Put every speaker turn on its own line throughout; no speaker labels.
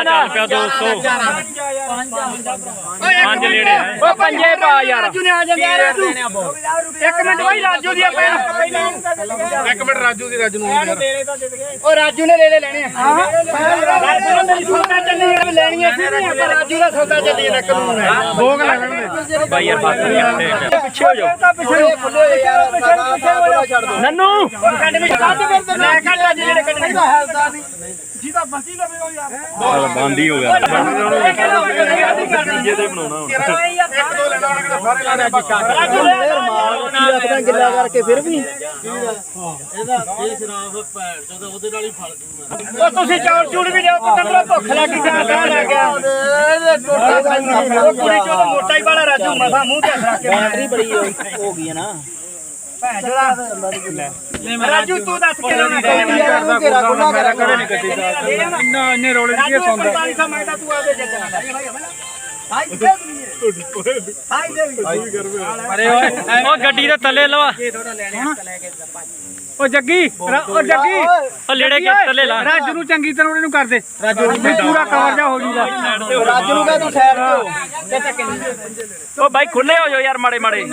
ਦਾ
ਪਿਆ 200 5 ਨੇੜੇ
ਉਹ ਪੰਜੇ ਪਾ ਯਾਰ
ਰਾਜੂ ਨੇ ਆ ਜਾਂਦੇ ਯਾਰ ਰਾਜੂ 1 ਮਿੰਟ ਬਾਈ ਰਾਜੂ ਦੀ ਆਪਾਂ
1 ਮਿੰਟ ਰਾਜੂ ਦੀ ਰਾਜੂ ਨੂੰ
ਉਹ ਰਾਜੂ ਨੇ ਰੇਲੇ ਲੈਣੇ ਆ ਰਾਜੂ ਨੇ ਮੇਰੀ ਸੌਦਾ ਚੱਲੀ ਲੈਣੀ ਸੀ ਨਹੀਂ ਆਪਾਂ ਰਾਜੂ ਦਾ ਸੌਦਾ ਚੱਲੀ ਨਾ ਕਾਨੂੰਨ ਹੈ
ਭੋਗ ਲੈ ਲੈਣ ਦੇ
ਬਾਈ ਯਾਰ ਬਾਤ ਨਹੀਂ
ਪਿੱਛੇ ਹੋ ਜਾਓ
ਪਿੱਛੇ ਖੁੱਲੇ ਯਾਰ ਛੱਡ ਦੋ
ਨੰਨੂ
ਕੱਢ ਵਿੱਚ ਕੱਢ ਫਿਰ ਲੈ ਕੱਢ ਰਾਜੂ ਜਿਹੜੇ ਕੱਢਣੇ ਦਾ ਹੈਲਦਾ ਨਹੀਂ ਜਿਹਦਾ ਬਸੀ ਲਵੇ ਉਹ ਯਾਰ
ਬੰਦ ਹੀ ਹੋ ਗਿਆ
ਜੇ ਤੇ ਬਣਾਉਣਾ ਹੁਣ
1 2 ਲੈਣਾ ਉਹਨੇ ਕਿਤੇ ਸਾਰੇ ਲੈਣੇ
ਰਾਜੂ ਲੈ ਮਾਰ ਕੀ ਰੱਖਦਾ ਗਿੱਲਾ ਕਰਕੇ ਫਿਰ ਵੀ ਉਹ ਤੁਸੀਂ ਚੌਲ ਚੂੜ ਵੀ ਲਿਓ ਪਤੰਦਰਾ ਭੁੱਖ ਲੱਗੀ ਜਾਂ ਲੱਗ ਗਿਆ ਉਹ ਕੁੜੀ ਚੋਂ ਮੋਟਾ ਹੀ ਵਾਲਾ ਰਾਜੂ ਮਸਾ ਮੂੰਹ ਤੇ ਰੱਖ ਕੇ ਬੈਟਰੀ ਬੜੀ ਹੋ ਗਈ ਹੈ ਨਾ ਭੈਣ ਜੋਦਾ ਰਾਜੂ ਤੂੰ ਦੱਸ ਕਿਹੜਾ ਕਰਦਾ ਘੇਰਾ ਖੁੱਲਾ ਮੇਰਾ ਕਦੇ ਨਹੀਂ ਕੱਢੀ ਇੰਨੇ ਰੋਲੇ ਦੀ ਸੌਂਦਾ 4500 ਮੰਗਦਾ ਤੂੰ ਆਦੇ ਜੱਜਣਾ
ਅਰੇ ਓਏ ਉਹ ਗੱਡੀ ਦੇ ਥੱਲੇ ਲਵਾ
ਉਹ ਜੱਗੀ ਉਹ ਜੱਗੀ
ਉਹ ਲੇੜੇ ਕੇ ਥੱਲੇ ਲਾ
ਰਾਜੂ ਨੂੰ ਚੰਗੀ ਤਰ੍ਹਾਂ ਉਹਨੂੰ ਕਰ ਦੇ ਰਾਜੂ ਨੂੰ ਪੂਰਾ ਕਵਰ ਜਾ ਹੋ ਜੂਗਾ
ਰਾਜੂ ਨੂੰ ਕਹ ਤੂੰ ਸਾਈਡ ਤੇ
ਉਹ ਬਾਈ ਖੁੱਲੇ ਹੋ ਜਾਓ ਯਾਰ ਮਾੜੇ ਮਾੜੇ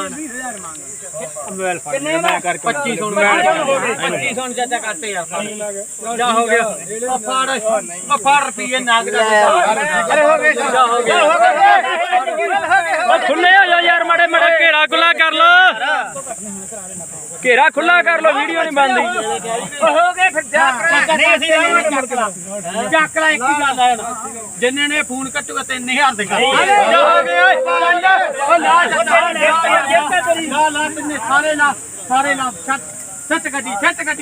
ਕਿੰਨੇ ਮੈਂ ਕਰਕੇ 2500 ਚਾਚਾ ਕੱਟ ਯਾਰ ਜਾ ਹੋ ਗਿਆ ਫੜ ਰੁਪਏ ਨਾਗ ਦਾ ਅਰੇ ਹੋ ਗਏ ਜਾ ਹੋ ਗਿਆ
ਉਹ ਖੁੱਲੇ ਹੋ ਜਾਓ ਯਾਰ ਮਾੜੇ ਮਾੜੇ
ਘੇਰਾ ਗੁੱਲਾ ਕਰ ਲੋ
ਘੇਰਾ ਖੁੱਲਾ ਕਰ ਲੋ ਵੀਡੀਓ ਨਹੀਂ ਬਣਦੀ
ਹੋ ਗਏ ਫਿਰ ਜਾ ਨਹੀਂ ਅਸੀਂ ਚੱਕ ਲੈ ਇੱਕ ਹੀ ਗੱਲ ਹੈ ਜਿੰਨੇ ਨੇ ਫੋਨ ਕੱਟੂਗਾ 3000 ਦੇ ਕਰ ਹੋ ਗਏ ਓਏ ਉਹ ਲਾ ਸਾਰੇ ਲਾ ਛੱਟ ਗੱਡੀ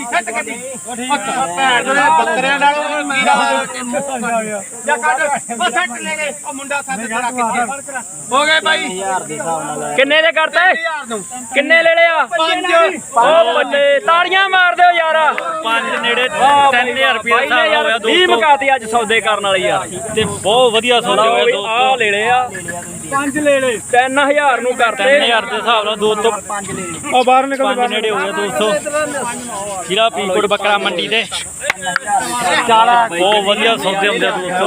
ਭੈਣ ਦੇ ਬੱਕਰਿਆਂ ਨਾਲ ਮੇਰਾ ਜਾ ਕੱਢ ਉਹ ਛੱਟ ਲੈ ਗਏ ਉਹ ਮੁੰਡਾ ਸਾਡੇ ਖੜਾ ਕਿੱਥੇ ਹੋ ਗਏ ਬਾਈ
ਕਿੰਨੇ ਦੇ ਕਰਤੇ
1000 ਨੂੰ
ਕਿੰਨੇ ਲੈ ਲਿਆ
5
ਉਹ ਬੱਲੇ ਤਾੜੀਆਂ ਮਾਰ ਦਿਓ ਯਾਰ
5 ਨੇੜੇ 3000 ਰੁਪਏ ਦਾ ਹਿਸਾਬ ਹੋ ਗਿਆ
20 ਮੁਕਾਤੀ ਅੱਜ ਸੌਦੇ ਕਰਨ ਵਾਲੀ ਯਾਰ
ਤੇ ਬਹੁਤ ਵਧੀਆ ਸੌਦੇ ਹੋਏ
ਆ ਲੈ ਲਿਆ
5 ਲੈ ਲੈ
3000 ਨੂੰ ਕਰਤੇ
3000 ਦੇ ਹਿਸਾਬ ਨਾਲ 2 ਤੋਂ
ਉਹ ਬਾਹਰ ਨਿਕਲ
5 ਨੇੜੇ ਹੋ ਗਿਆ 200 ਜ਼ਿਲ੍ਹਾ ਫਰੀਦਕੋਟ ਬੱਕਰਾ ਮੰਡੀ ਦੇ ਬਹੁਤ ਵਧੀਆ ਸੌਦੇ ਹੁੰਦੇ 200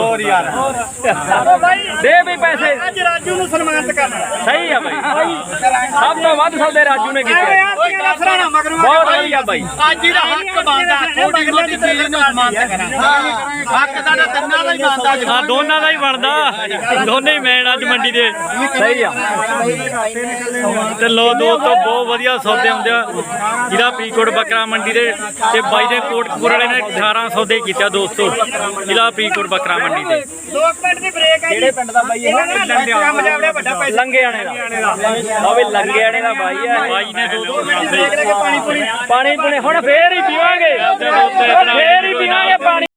ਦੇ ਵੀ ਪੈਸੇ
ਅੱਜ ਰਾਜੂ ਨੂੰ ਸਨਮਾਨਿਤ ਕਰਨਾ
ਸਹੀ ਆ ਬਾਈ ਸਭ ਤੋਂ ਵੱਧ ਸੌਦੇ ਰਾਜੂ ਨੇ ਕੀਤੇ ਬਹੁਤ ਵਧੀਆ ਬਾਈ
ਅੱਜ ਦਾ ਹੱਕ ਬਣਦਾ ਥੋੜੀ ਬਹੁਤੀ ਚੀਜ਼ ਨੂੰ ਸਨਮਾਨਿਤ ਕਰਾਂ ਹੱਕ ਦਾ ਤਿੰਨਾਂ ਦਾ ਹੀ ਬਣਦਾ
ਹਾਂ ਦੋਨਾਂ ਦਾ ਹੀ ਬਣਦਾ ਦੋਨੇ ਹੀ ਮੈਨ ਅੱਜ ਮੰਡੀ ਦੇ
ਸਹੀ ਆ
ਤੇ ਲੋ ਦੋਸਤੋ ਬਹੁਤ ਵਧੀਆ ਸੌਦੇ ਹੁੰਦੇ ਆ ਜ਼ਿਲ੍ਹਾ ਫਰੀਦਕੋਟ ਬੱਕਰਾ ਮੰਡੀ ਦੇ ਤੇ ਬਾਈ ਦੇ ਕੋਟਕਪੂਰ ਵਾਲੇ ਨੇ 18 ਸੌਦੇ ਕੀਤੇ ਦੋਸਤੋ ਜ਼ਿਲ੍ਹਾ ਫਰੀਦਕੋਟ ਬੱਕਰਾ ਮੰਡੀ ਦੇ
2 ਮਿੰਟ ਦੀ ਬ੍ਰੇਕ ਹੈ ਕਿਹੜੇ ਪਿੰਡ ਦਾ ਬਾਈ ਇਹ ਕੰਮ ਜਾਵੜਿਆ ਵੱਡਾ ਪੈਸਾ
ਲੰਗੇਆਣੇ ਦਾ ਉਹ ਵੀ ਲੰਗੇਆਣੇ ਦਾ ਬਾਈ ਆ
ਬਾਈ ਨੇ 2
ਬ੍ਰੇਕ ਲੈ ਕੇ ਪਾਣੀ ਪੂਰੀ
ਪਾਣੀ ਪੂਣੀ ਹੁਣ ਫੇਰ ਹੀ ਪੀਵਾਂਗੇ ਫੇਰ ਹੀ ਪੀਵਾਂਗੇ ਪਾਣੀ